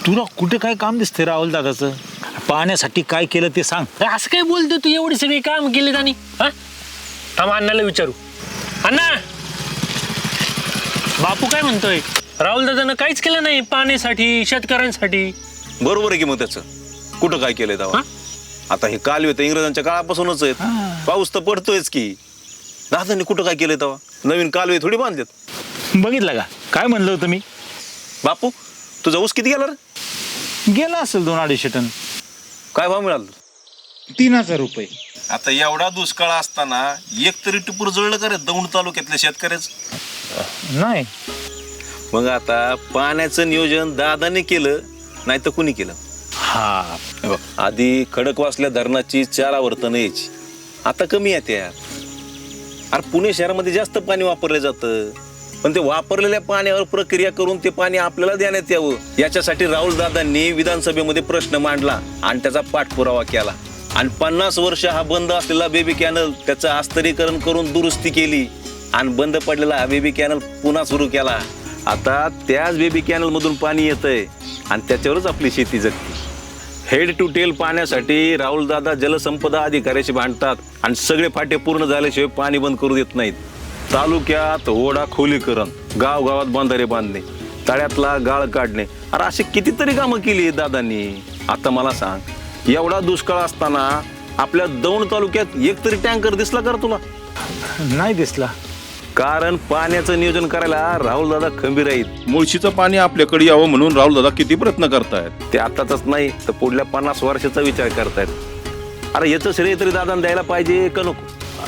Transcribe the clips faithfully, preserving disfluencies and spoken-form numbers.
तुला कुठे काय काम दिसते राहुल दादाचं? पाण्यासाठी काय केलं ते सांग. असं काय बोलतो तू? एवढी सगळी काम केली त्यांनी. हा थांब अण्णाला विचारू. अण्णा, बापू काय म्हणतोय? राहुल दादानं काहीच केलं नाही पाण्यासाठी, शेतकऱ्यांसाठी. बरोबर आहे की मग त्याचं कुठं काय केलंय तेव्हा? आता हे कालवे तर इंग्रजांच्या काळापासूनच आहेत. पाऊस तर पडतोयच की. दादांनी कुठं काय केलंय तेव्हा? नवीन कालवे थोडी बांधलेत. बघितलं का काय म्हणलं होतं मी? बापू तुझा ऊस किती गेला रे? गेला असेल दोन अडीचशे टन. काय भाव मिळाला? तीन हजार रुपये. आता एवढा दुष्काळ असताना एक तरी टिपूर जळलं का रे दौंड तालुक्यातल्या शेतकऱ्याच? नाही. मग आता पाण्याचं नियोजन दादाने केलं नाही तर कुणी केलं? हा बघ, आधी खडकवासल्या धरणाची चार आवर्तन यायची, आता कमी येते यार. अरे पुणे शहरामध्ये जास्त पाणी वापरलं जातं, पण ते वापरलेल्या पाण्यावर प्रक्रिया करून ते पाणी आपल्याला देण्यात यावं याच्यासाठी राहुल दादांनी विधानसभेमध्ये प्रश्न मांडला आणि त्याचा पाठपुरावा केला. आणि पन्नास वर्ष हा बंद असलेला बेबी कॅनल त्याचं आस्तरीकरण करून दुरुस्ती केली आणि बंद पडलेला हा बेबी कॅनल पुन्हा सुरू केला. आता त्याच बेबी कॅनल मधून पाणी येतंय आणि त्याच्यावरच आपली शेती जगते. हेड टू टेल पाण्यासाठी राहुल दादा जलसंपदा अधिकाऱ्याशी भांडतात आणि सगळे फाटे पूर्ण झाल्याशिवाय पाणी बंद करू देत नाहीत. तालुक्यात ओढा खोलीकरण, गावगावात बंधारे बांधणे, तळ्यातला गाळ काढणे, अरे अशी कितीतरी कामं केली दादांनी. आता मला सांग, एवढा दुष्काळ असताना आपल्या दौंड तालुक्यात एक तरी टँकर दिसला का तुला? नाही दिसला. कारण पाण्याचं नियोजन करायला राहुल दादा खंबीर आहेत. मुळशीचं पाणी आपल्याकडे यावं म्हणून राहुल दादा किती प्रयत्न करतायत. ते आताच नाही तर पुढल्या पन्नास वर्षाचा विचार करतायत. अरे याचं श्रेय तरी दादांना द्यायला पाहिजे का नको?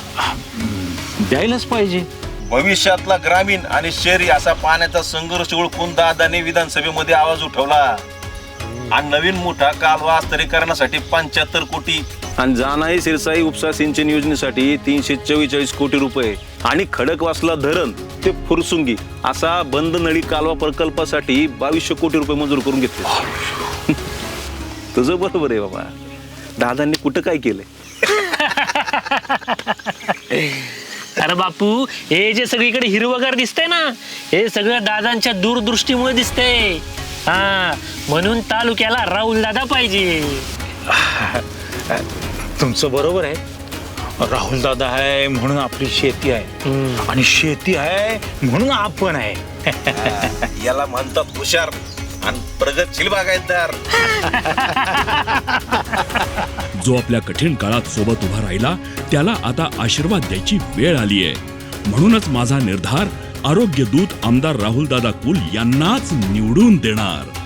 द्यायलाच पाहिजे. भविष्यातला ग्रामीण आणि शहरी असा पाण्याचा संघर्ष ओळखून दादाने विधानसभेमध्ये आवाज उठवला आणि नवीन मोठा कालवा आस्तरीकरणासाठी पंच्याहत्तर कोटी आणि जानाई सिरसाई उपसा सिंचन योजनेसाठी तीनशे चव्वेचाळीस कोटी रुपये आणि खडकवासला धरण ते फुरसुंगी असा बंद नळी कालवा प्रकल्पासाठी बावीसशे कोटी रुपये मंजूर करून घेतले. तुझं बरोबर आहे बाबा, दादांनी कुठं काय केलंय? अरे बापू, हे जे सगळीकडे हिरवगार दिसतंय ना, हे सगळं दादांच्या दूरदृष्टीमुळे दिसतंय. हा म्हणून तालुक्याला राहुल दादा पाहिजे. तुमचं बरोबर आहे. राहुल दादा आहे म्हणून आपली शेती आहे आणि शेती आहे म्हणून आपण आहे. याला म्हणतात हुशार आणि प्रगतशील बागायतदार. जो आपल्या कठीण काळात सोबत उभा राहिला त्याला आता आशीर्वाद द्यायची वेळ आली आहे. म्हणूनच माझा निर्धार आरोग्य दूत आमदार राहुल दादा कुल यांनाच निवडून देणार.